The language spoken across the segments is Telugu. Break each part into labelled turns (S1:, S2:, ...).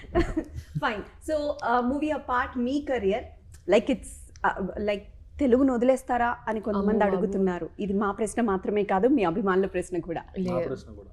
S1: ఫైన్. సో మూవీ అపార్ట్ మీ కెరియర్ ఇట్స్ లైక్ తెలుగును వదిలేస్తారా అని కొంతమంది అడుగుతున్నారు. ఇది మా ప్రశ్న మాత్రమే కాదు, మీ అభిమానుల ప్రశ్న కూడా.
S2: నా ప్రశ్న కూడా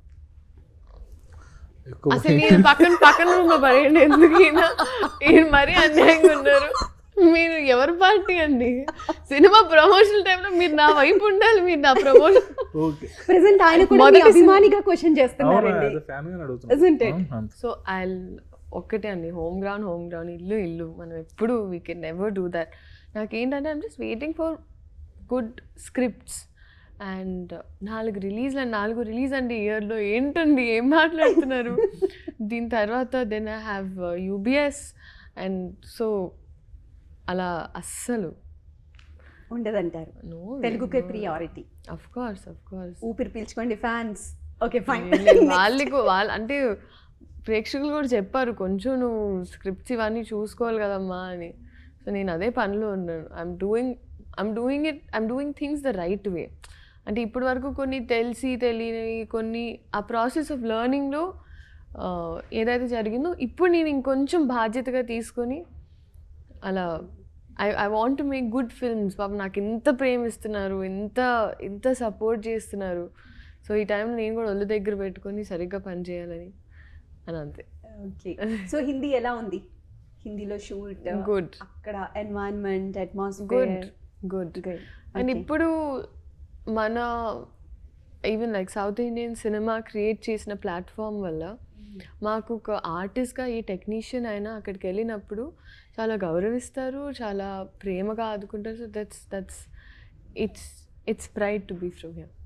S3: అసలు నేను పక్కన రూమ్ లో పడేయండి, ఎందుకు ఈయన మరీ అన్యాయంగా ఉన్నారు. మీరు ఎవరి పార్టీ అండి? సినిమా ప్రమోషన్ టైంలో మీరు నా వైపు ఉండాలి, మీరు నా ప్రమోషన్.
S2: ఓకే
S1: ప్రెసెంట్ ఆయన కూడా మీ అభిమానిగా క్వశ్చన్ చేస్తున్నారండి.
S2: Family
S1: Isn't it?
S2: అడుగుతున్నాను.
S3: సో ఐ ఒక్కటే అండి, హోమ్ గ్రౌండ్, ఇల్లు మనం ఎప్పుడు we can never do that. నాకేంటంటే I'm just waiting for good scripts. And 4 release అండి ఇయర్లో. ఏంటండి ఏం మాట్లాడుతున్నారు? దీని తర్వాత దెన్ ఐ హ్యావ్ యూబిఎస్. అండ్ సో అలా అస్సలు
S1: ఉండదంటారు.
S3: నో,
S1: తెలుగుకే ప్రియారిటీ.
S3: అఫ్ కోర్స్
S1: ఊపిరి పీల్చుకోండి ఫ్యాన్స్. Okay fine.
S3: వాళ్ళు అంటే ప్రేక్షకులు కూడా చెప్పారు, కొంచెం నువ్వు స్క్రిప్ట్స్ ఇవన్నీ చూసుకోవాలి కదమ్మా అని. సో నేను అదే పనిలో ఉన్నాను. I'm doing things the right way. అంటే ఇప్పటి వరకు కొన్ని తెలియని కొన్ని ఆ ప్రాసెస్ ఆఫ్ లెర్నింగ్లో ఏదైతే జరిగిందో ఇప్పుడు నేను ఇంకొంచెం బాధ్యతగా తీసుకొని అలా I want to make good films. పాపం నాకు ఇంత ప్రేమిస్తున్నారు, ఇంత సపోర్ట్ చేస్తున్నారు. సో ఈ టైంలో నేను కూడా ఒళ్ళు దగ్గర పెట్టుకొని సరిగ్గా పనిచేయాలని అని అంతే.
S1: ఓకే. సో హిందీ ఎలా ఉంది? హిందీలో షూట్
S3: గుడ్,
S1: అక్కడ ఎన్వైరన్మెంట్, అట్మాస్ఫియర్
S3: గుడ్. అండ్ ఇప్పుడు మన even like south Indian cinema create చేసిన ప్లాట్ఫామ్ వల్ల మాకు ఒక ఆర్టిస్ట్గా ఏ టెక్నీషియన్ అయినా అక్కడికి వెళ్ళినప్పుడు చాలా గౌరవిస్తారు, చాలా ప్రేమగా ఆదుకుంటారు. So that's it's pride to be from here.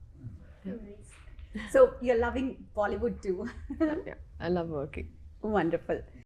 S1: So you're loving Bollywood too.
S3: I love working.
S1: Wonderful.